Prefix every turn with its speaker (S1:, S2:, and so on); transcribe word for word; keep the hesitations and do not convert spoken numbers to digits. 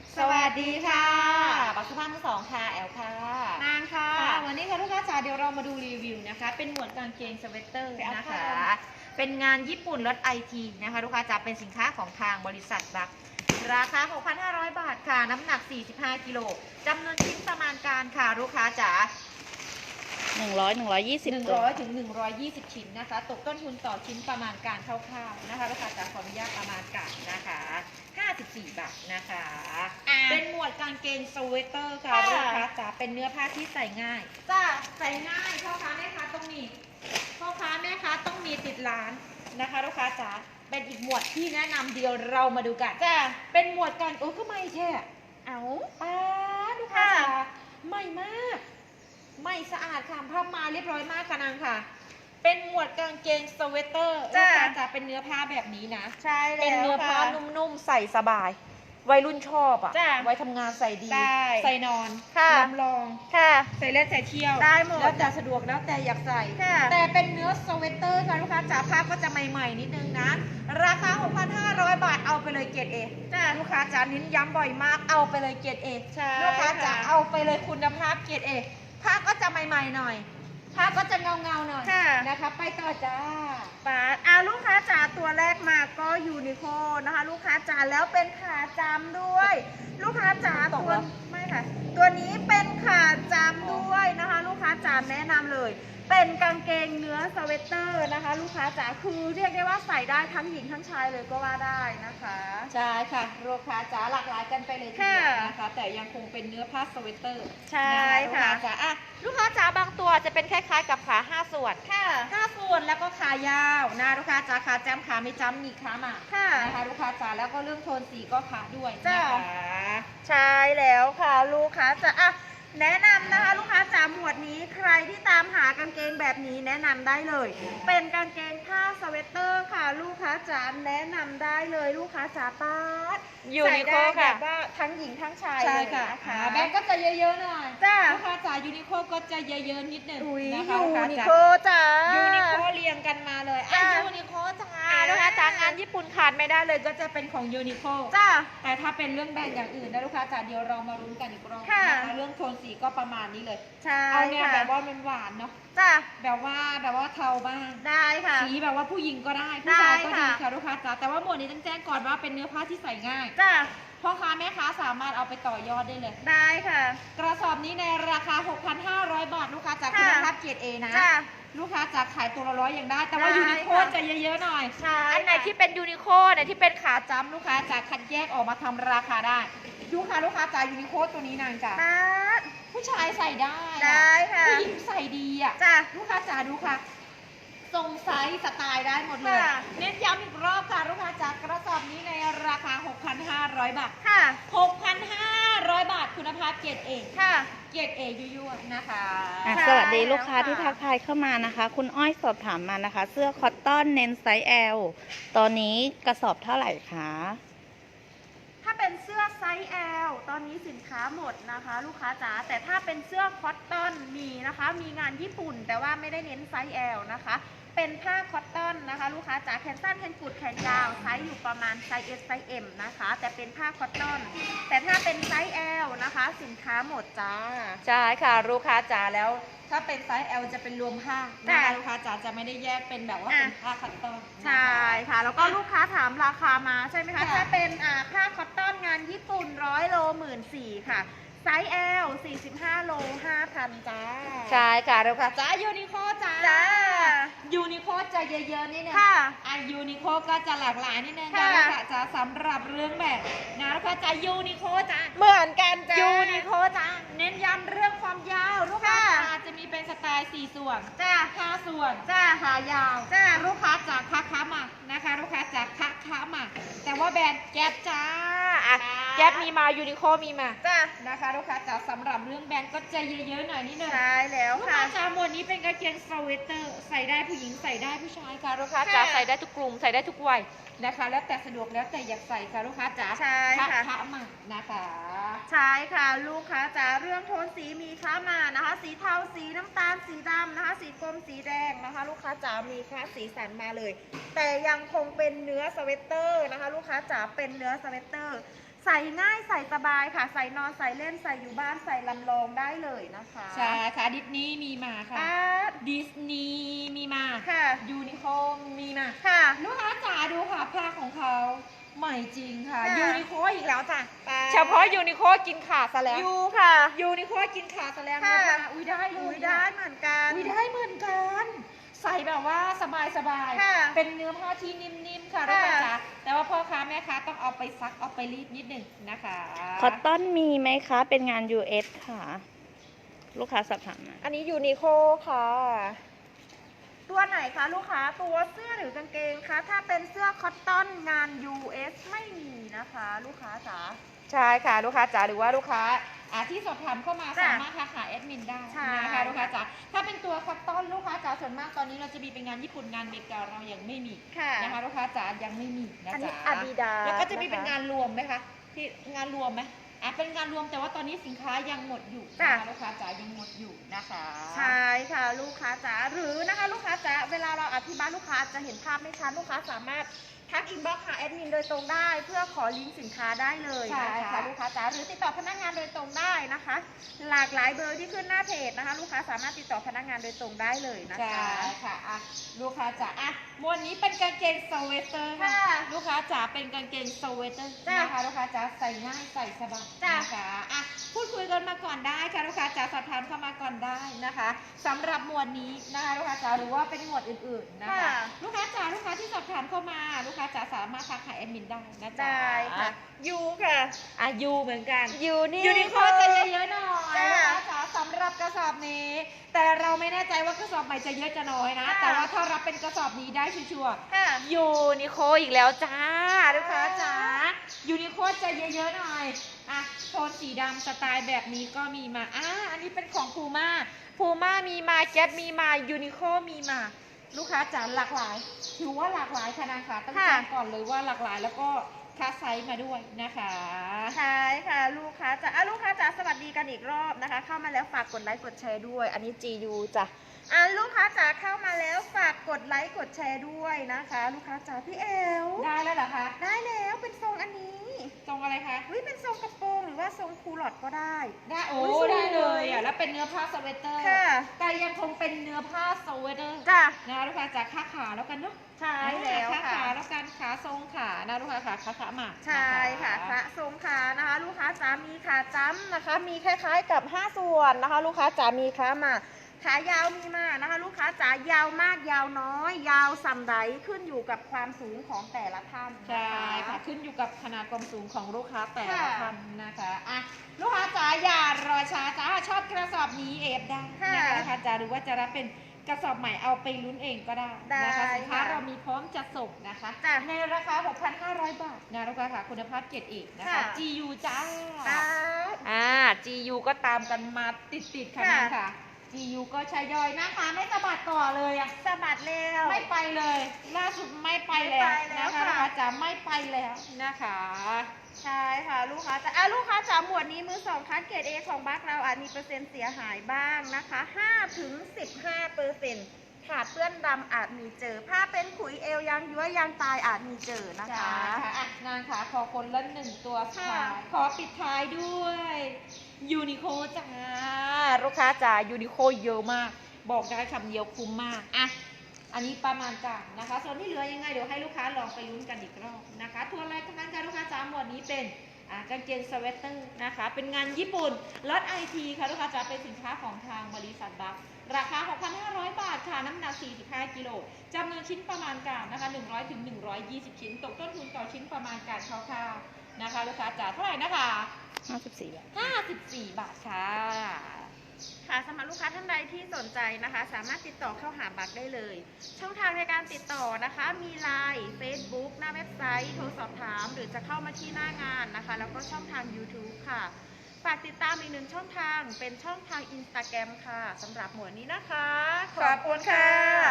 S1: สวัสดีค่ะปักสุภาพมือสองค่ะแอลค่ะ
S2: นางค่ะ
S1: วันนี้ค่ะลูกค้าจ๋าเดี๋ยวเรามาดูรีวิวนะคะเป็นหมวดกางเกงสเวตเตอร์นะคะเป็นงานญี่ปุ่นรถไอทีนะคะลูกค้าจ๋าเป็นสินค้าของทางบริษัทบักราคา หกพันห้าร้อย บาทค่ะน้ำหนักสี่สิบห้ากิโลจำนวนชิ้นประมาณการค่ะลูกค้าจ๋า
S2: หนึ่งร้อยหนึ่งร้อยยี่สิบ
S1: หนึ่งร้อยถึงหนึ่งร้อยยี่สิบชิ้นนะคะตกต้นทุนต่อชิ้นประมาณการคร่าวๆนะคะลูกค้าจ๋าขออนุญาตประมาณการนะคะห้าสิบสี่บาทนะคะเป็นหมวดกางเกงสเวตเตอร์ค่ะลูกค้าจ๋าเป็นเนื้อผ้าที่ใส่ง่ายจ้าใส่ง่ายพ่อค้าแม่ค้าต้องมีพ่อค้าแม่ค้าต้องมีติดร้านนะคะลูกค้าจ๋าเป็นอีกหมวดที่แนะนำเดียวเรามาดูกันจ้าเป็นหมวดการโอ้ก็ไม่แช่เอาป้าลูกค้าจ๋าใหม่มากไม่สะอาดค่ะผ้ามาเรียบร้อยมากค่ะนางค่ะเป็นหมวดกางเกงสเวตเตอร์ลูกค้าจ๋าเป็นเนื้อผ้าแบบนี้นะ
S2: ใช่แล้ว
S1: เป็นเนื้อผ้านุ่มๆใส่สบายวัยรุ่นชอบอ่ะไว้ทำงานใส่ดีใส่นอนลำลองใส่เล่นใส่เที่ยว
S2: ได้หมด
S1: แล้วแต่สะดวกแล้วแต่อยากใส่แต่เป็นเนื้อสเวตเตอร์ค่ะลูกค้าจ๋าผ้าก็จะใหม่ๆนิดนึงนะราคา หกพันห้าร้อย บาทเอาไปเลยเกรด เอ ลูกค้าจ๋านิ้นย้ำบ่อยมากเอาไปเลยเกรด เอ ลูกค้าจ๋าเอาไปเลยคุณภาพเกรด เอ ผ้าก็จะใหม่ๆหน่อยผ้าก็จะเงาๆหน่อยนะคะไปต่อจ้า
S2: ปาดอ่าลูกค้าจ๋าตัวแรกมาก็ยูนิโคนะคะลูกค้าจ๋าแล้วเป็นขาจำด้วย ลูกค้าจ๋าตัวไม่ค่ะตัวนี้เป็นขาจำด้วยนะคะลูกค้าจ๋าแนะนำเลยเป็นกางเกงเนื้อสเวตเตอร์นะคะลูกค้าจ๋าคือเรียกได้ว่าใส่ได้ทั้งหญิงทั้งชายเลยก็ว่าได้นะคะ
S1: ใช่ค่ะลูกค้าจ๋าหลากหลายกันไปเลยทีเดียวนะคะแต่ยังคงเป็นเนื้อผ้าสเวตเตอร์
S2: ใช่ค่ะ
S1: ลูกค้าจ๋าอ่ะลูกค้าจ๋าบางตัวจะเป็นคล้ายๆกับขาห้าส่วน
S2: ค่ะ
S1: ห้าส่วนแล้วก็ขายาวนะลูกค้าจ๋าขาจ้ำขาไม่จ้ำมีขามา
S2: ค่ะ
S1: นะคะลูกค้าจ๋าแล้วก็เรื่องโทนสีก็ขาด้วยนะคะ
S2: ใช่แล้วค่ะลูกค้าจ๋าอ่ะแนะนำนะคะลูกค้าจ๋าหมวดนี้ใครที่ตามหากางเกงแบบนี้แนะนำได้เลยเป็นกางเกงผ้าสเวตเตอร์ค่ะลูกค้าจ๋าแนะนำได้เลยลูกค้าจ๋าป้า
S1: ยูนิโคค่ะ
S2: ว่าทั้งหญิงทั้งชาย
S1: เลยค่ะแบงก์ก็จะเยอะๆหน่อย
S2: จ้า
S1: ลูกค้าจ๋ายูนิโคก็จะเยอะๆนิดหนึ่ง
S2: นะคะยูนิโคจ๋า
S1: ยูนิโคเรียงกันมาเลยอ่ะยูนิโคจ๋าลูกค้าจ๋างานญี่ปุ่นขาดไม่ได้เลยก็จะเป็นของยูนิโค
S2: จ้า
S1: แต่ถ้าเป็นเรื่องแบรนด์อย่างอื่นนะลูกค้าจ๋าเดี๋ยวเรามาลุ้นกันอีกรอบนะคะเรื่องโทนสีก็ประมาณนี้เลยเอาเนี่ยแบบว่ามันหวานเนาะ
S2: จ้า
S1: แบบว่าแบบว่าเทาบ้าง
S2: ได้ค่ะ
S1: สีแบบว่าผู้หญิงก็ได้ผู้ชายก็ดีค่ะลูกค้าจ๋าแต่ว่าหมวดนี้ต้องแจ้งก่อนว่าเป็นเนื้อผ้าที่ใส่ง่าย
S2: จ้า
S1: พ่อค้าแม่ค้าสามารถเอาไปต่อยอดได้เลย
S2: ได้ค่ะ
S1: กระสอบนี้ในราคา หกพันห้าร้อย บาทลูกค้าจากคุณภาพเกรด เอ นะลูกค้าจากขายตัวละร้อยอย่างได้แต่ว่ายูนิโคจะเยอะๆหน่อยอันไหนที่เป็นยูนิโคเนี่ยที่เป็นขาจ้ำลูกค้าจากคัดแยกออกมาทำราคาได้ลูกค้าลูกค้าจากยูนิโคตัวนี้นางจ้ะผู้ชายใส่ได้
S2: ได้ค่ะ
S1: ผู้หญิงใส่ดีอ่ะ
S2: จ้ะ
S1: ลูกค้าจ๋าดูค่ะทรงไซส์สไตล์ได้หมดเลยเน้นย้ำอีกรอบค่ะลูกค้าจากกระสอบนี้ในราคา หกพันห้าร้อย บาท
S2: ค่ะ
S1: หกพันห้าร้อย บาทคุณภาพเกรด เอ
S2: ค่ะ
S1: เกรด เอ ยั่วๆนะคะ
S2: สวัสดีลูกค้าที่ทักทายเข้ามานะคะคุณอ้อยสอบถามมานะคะเสื้อคอตตอนเน้นไซส์ แอล ตอนนี้กระสอบเท่าไหร่คะถ้าเป็นเสื้อไซส์ แอล ตอนนี้สินค้าหมดนะคะลูกค้าจ๋าแต่ถ้าเป็นเสื้อคอตตอนมีนะคะมีงานญี่ปุ่นแต่ว่าไม่ได้เน้นไซส์ แอล นะคะเป็นผ้าคอตตอนนะคะลูกค้าจ๋าแขนสั้นแขนกุดแขนยาวไซส์อยู่ประมาณไซส์ เอส ไซส์ เอ็ม นะคะแต่เป็นผ้าคอตตอนแต่ถ้าเป็นไซส์ แอล นะคะสินค้าหมดจ้า
S1: ใช่ค่ะลูกค้าจ๋าแล้วถ้าเป็นไซส์ แอล จะเป็นรวมผ้านะคะลูกค้าจ๋าจะไม่ได้แยกเป็นแบบว่าเป็นผ้าคอตตอน
S2: ใช่ค่ะแล้วก็ลูกค้าถามราคามาใช่ไหมคะถ้าเป็นผ้าคอตตอนงานญี่ปุ่นร้อยโลหมื่นสี่ค่ะไซส์ แอล สี่สิบห้าโลห้าพันจ้า
S1: ใช่ค่ะลูกค้าจ๋ายูนิโคจ้า
S2: จ้า
S1: ยูนิโคจะเยอะๆนิดนึง
S2: ค่ะ
S1: อ่ะยูนิโคก็จะหลากหลายนิดนึงค่ะลูกค้าจ๋าสำหรับเรื่องแบบนะลูกค้าจ๋ายูนิโคจ้า
S2: เหมือนกันจ้า
S1: ยูนิโคจ้าเน้นย้ำเรื่องความยาวลูกค้าจ๋าจะมีเป็นสไตล์สี่ส่วน
S2: จ้า
S1: ห้าส่วน
S2: จ้า
S1: ขายาว
S2: จ้า
S1: ลูกค้าจ๋าคะค้ามานะคะลูกค้าจ๋าคะค้ามาแต่ว่าแบรนด์แก๊ปจ้าอ่ะแก๊ปมีมายูนิโคมีมา
S2: จ้า
S1: นะคะลูกค้าจ๋าสำหรับเรื่องแบรนด์ก็จะเยอะๆหน่อยนิดนึง
S2: ใช่แล้วค่ะ
S1: ลูกค้าจ๋าหมวดนี้เป็นกางเกงสเวตเตอร์ใส่ได้ผู้หญิงใส่ได้ผู้ชายค่ะลูกค้าจ๋าใส่ได้ทุกกลุ่มใส่ได้ทุกวัยนะคะแล้วแต่สะดวกแล้วแต่อยากใส่ค่ะลูกค้าจ๋า
S2: ใช่ค่ะ
S1: ค้ามานะคะ
S2: ใช่ค่ะลูกค้าจ๋าเรื่องโทนสีมีค้ามานะคะ สีเทาสีน้ำตาลสีดำนะคะ สีกรมสีแดงนะคะ ลูกค้าจ๋ามีค้าสีสันมาเลย แต่ยังคงเป็นเนื้อสเวตเตอร์นะคะ ลูกค้าจ๋าเป็นเนื้อสเวตเตอร์ ใส่ง่ายใส่สบายค่ะ ใส่นอนใส่เล่นใส่อยู่บ้านใส่ลำลองได้เลยนะคะ
S1: ใช่ค่ะดิสนีย์มีมาค่ะ
S2: อ่า
S1: ดิสนีย์มีมา
S2: ค่ะ
S1: ยูนิโคมีมา
S2: ค่ะ
S1: ลูกค้าจ๋าดูค่ะผ้าของเขาใหม่จริงค่ะ
S2: ค่ะ
S1: ยูนิโคอีกแล้วจ้ะ
S2: ไป
S1: เฉพาะยูนิโคกินขาดซะแล้ว
S2: ยูค่ะ
S1: ยูนิโคกินขาดซะแล้ว
S2: ค่ะ
S1: นะคะอุ้ยได้เล
S2: อุ้
S1: ย
S2: ยได้เหมือนกัน
S1: อุ้ยได้เหมือนกัน ใส่แบบว่าสบายสบาย
S2: ค่ะ
S1: เป็นเนื้อผ้าที่นิ่มๆค่ะลูกค้าจ๋าแต่ว่าพ่อค้าแม่ค้าต้องเอาไปซักเอาไปรีดนิดหนึ่งนะคะ
S2: คอตตอนมีไหมคะ เป็นงาน ยู เอส ค่ะ ลูกค้าสอบถามมา
S1: อันนี้ยูนิโคค่ะ
S2: ตัวไหนคะลูกค้าตัวเสื้อหรือกางเกงคะถ้าเป็นเสื้อคอตตอนงาน ยู เอส ไม่มีนะคะ ลูกค้าจ๋า
S1: ใช่ค่ะลูกค้าจ๋าหรือว่าลูกค้าอ่าที่สอบถามเข้ามา
S2: จ้ะ
S1: สามารถทักหาแอดมินได้
S2: ใช่
S1: นะคะลูกค้าจ๋าถ้าเป็นตัวคอตตอนลูกค้าจ๋าส่วนมากตอนนี้เราจะมีเป็นงานญี่ปุ่นงานอเมริกาเรายังไม่มี
S2: ค่ะ
S1: นะคะลูกค้าจ๋ายังไม่มีนะ
S2: อันนี้
S1: จ๊ะ
S2: Adidas
S1: แล้วก็จะมี
S2: นะคะ
S1: เป็นงานรวมไหมคะที่งานรวมไหมอ่ะเป็นงานรวมแต่ว่าตอนนี้สินค้ายังหมดอยู่
S2: จ้ะ
S1: นะคะลูกค้าจ๋ายังหมดอยู่นะคะ
S2: ใช่ค่ะลูกค้าจ๋าหรือนะคะลูกค้าจ๋าเวลาเราอธิบายลูกค้าจะเห็นภาพไม่ชัดลูกค้าสามารถทักอินบ็อกซ์หาแอดมินโดยตรงได้ เพื่อขอลิงก์สินค้าได้เลย
S1: ใช่
S2: นะคะ
S1: ค่ะ
S2: ลูกค้าจ๋าหรือติดต่อพนักงานโดยตรงได้นะคะ หลากหลายเบอร์ที่ขึ้นหน้าเพจนะคะ ลูกค้าสามารถติดต่อพนักงานโดยตรงได้เลยนะ
S1: ใช่
S2: คะ
S1: ค่ะอ่ะลูกค้าจ๋าอ่ะหมวดนี้เป็นกางเกงสเวตเตอร์ค่ะ
S2: ค่ะ
S1: ลูกค้าจ๋าเป็นกางเกงสเวตเตอร์
S2: จ้ะ
S1: นะคะลูกค้าจ๋าใส่ง่ายใส่สบาย
S2: จ้ะ
S1: นะคะอ่ะพูดคุยกันมาก่อนได้ค่ะลูกค้าจ๋าสอบถามเข้ามาก่อนได้นะคะสำหรับหมวดนี้นะคะลูกค้าจ๋าหรือว่าเป็นหมวดอื่นๆนะคะ
S2: ค่ะ
S1: ลูกค้าจ๋าลูกค้าที่สอบถามเข้ามา ลูกค้าจ๋าสามารถทักหาแอดมินได้นะจ๊ะ
S2: ได้ค่ะยูค่ะ
S1: อ่ะยูเหมือนกัน
S2: ยูนี่
S1: ยูนิโคจะเยอะๆหน่อย
S2: จ้ะ
S1: นะคะจ๋าสำหรับกระสอบนี้ แต่เราไม่แน่ใจว่ากระสอบใหม่จะเยอะจะน้อยนะ
S2: ค่ะ
S1: แต่ว่าถ้ารับเป็นกระสอบนี้ได้ชัวร์
S2: ค่ะ
S1: ๆยูนิโคอีกแล้วจ้าลูกค้าจ๋ายูนิโคจะเยอะๆหน่อยอ่ะโทนสีดำสไตล์แบบนี้ก็มีมาอ่ะอันนี้เป็นของพูม่าพูม่ามีมาแก๊ปมีมายูนิโคมีมา ลูกค้าจ๋าหลากหลายถือว่าหลากหลายค่ะนะคะต้อง
S2: ค่ะ
S1: แจ้งก่อนเลยว่าหลากหลายแล้วก็คัสไซส์มาด้วยนะคะ
S2: ใช่ค่ะลูกค้าจ๋าอ่ะลูกค้าจ๋าสวัสดีกันอีกรอบนะคะ เข้ามาแล้วฝากกดไลค์กดแชร์ด้วย อันนี้ จี ยู จ้ะอ่ะลูกค้าจ๋าเข้ามาแล้วฝากกดไลค์กดแชร์ด้วยนะคะ ลูกค้าจ๋าพี่เอล
S1: ได้แล้วเหรอคะ
S2: ได้แล้วเป็นทรงอันนี้
S1: ทรงอะไรคะ
S2: วิเป็นทรงกระโปรงหรือว่าทรงคูลอดก็ได้
S1: ได้โอ้
S2: อุ๊ยสวย
S1: ได้เลยอ่ะแล้วเป็นเนื้อผ้าสเวตเตอร์
S2: ค่ะ
S1: แต่ยังคงเป็นเนื้อผ้าสเวตเตอร์
S2: จ้ะ
S1: นะลูกค้าจ๋าขาขาแล้วกันเนาะ
S2: ใช่แล้ว
S1: ขา
S2: ค่ะ
S1: ขาแล้วกันขาทรงขานะลูกค้าขาขาขามา
S2: ใช่ค่ะพระทรงขานะคะ ลูกค้าจ๋ามีขาจ้ำนะคะ มีคล้ายๆกับห้าส่วนนะคะ ลูกค้าจ๋ามีขามาขายาวมีมานะคะ ลูกค้าจ๋ายาวมากยาวน้อย ยาวสัมไดขึ้นอยู่กับความสูงของแต่ละท่านนะคะ
S1: ใช่ค่ะขึ้นอยู่กับขนาดความสูงของลูกค้าแต่ละ
S2: ค่ะ
S1: ท่านนะคะอ่ะลูกค้าจ๋าอย่ารอช้าจ้าชอบกระสอบนี้เอฟได้นะคะลูกค้าจ๋าหรือว่าจะรับเป็นกระสอบใหม่เอาไปลุ้นเองก็ได้นะคะสินค้าเรามีพร้อมจัดส่งนะคะ
S2: จ้ะ
S1: ในราคา หกพันห้าร้อย บาทนะลูกค้าค่ะคุณภาพเกรดเอกนะคะ
S2: ค่ะ
S1: จี ยู จ้า
S2: จ้า
S1: อ่า จี ยู ก็ตามกันมาติดๆค่ะ
S2: ค่ะ
S1: นั่นค่ะ จี ยู ก็ใช้ย่อยนะคะไม่สะบัดต่อเลยอะ
S2: สะบัดเร็ว
S1: ไม่ไปเลย ล่าสุดไม่ไปแล้ว
S2: ไม่ไปแล้ว
S1: นะคะ
S2: ค่ะ
S1: ลูกค้าจ๋าไม่ไปแล้วนะคะ
S2: ใช่ค่ะลูกค้าจ๋าอ่ะลูกค้าจ๋าหมวดนี้มือสองคัดเกรด A ของบัคเราอาจมีเปอร์เซ็นต์เสียหายบ้างนะคะห้าถึงสิบห้าเปอร์เซ็นต์ขาดเปื้อนดำอาจมีเจอ ผ้าเป็นขุยเอวยางย้วยยางตายอาจมีเจอนะ
S1: จ้า
S2: คะ
S1: ค่ะอ่ะนางค่ะขอคนละหนึ่งตัว
S2: ค่ะ
S1: ค่ะขอปิดท้ายด้วยยูนิโคจ้าลูกค้าจ๋ายูนิโคเยอะมาก บอกได้คำเดียวคุ้มมากอ่ะอันนี้ประมาณการนะคะส่วนที่เหลือยังไงเดี๋ยวให้ลูกค้าลองไปลุ้นกันอีกรอบนะคะทัวร์รายการการลูกค้าจ๋าหมวดนี้เป็นอ่ากางเกงสเวตเตอร์นะคะเป็นงานญี่ปุ่นลดไอทีค่ะลูกค้าจ๋าเป็นสินค้าของทางบริษัทบัคราคา หกพันห้าร้อย บาทค่ะน้ำหนัก สี่สิบห้า กิโลจำนวนชิ้นประมาณการนะคะหนึ่งร้อยถึงหนึ่งร้อยยี่สิบ ชิ้นตกต้นทุนต่อชิ้นประมาณการคร่าวๆนะคะลูกค้าจ๋าเท่าไหร่นะคะ
S2: ห้าสิบสี่บาท
S1: ห้าสิบสี่ บาทค่ะ
S2: ค่ะสำหรับลูกค้าท่านใดที่สนใจนะคะ สามารถติดต่อเข้าหาบัคได้เลย ช่องทางในการติดต่อนะคะ มี ไลน์ เฟซบุ๊ก หน้าเว็บไซต์ โทรสอบถาม หรือจะเข้ามาที่หน้างานนะคะ แล้วก็ช่องทาง ยูทูบ ค่ะ ฝากติดตามอีกหนึ่งช่องทางเป็นช่องทาง อินสตาแกรม ค่ะสำหรับหมวดนี้นะคะ
S1: ขอบคุณค่ะ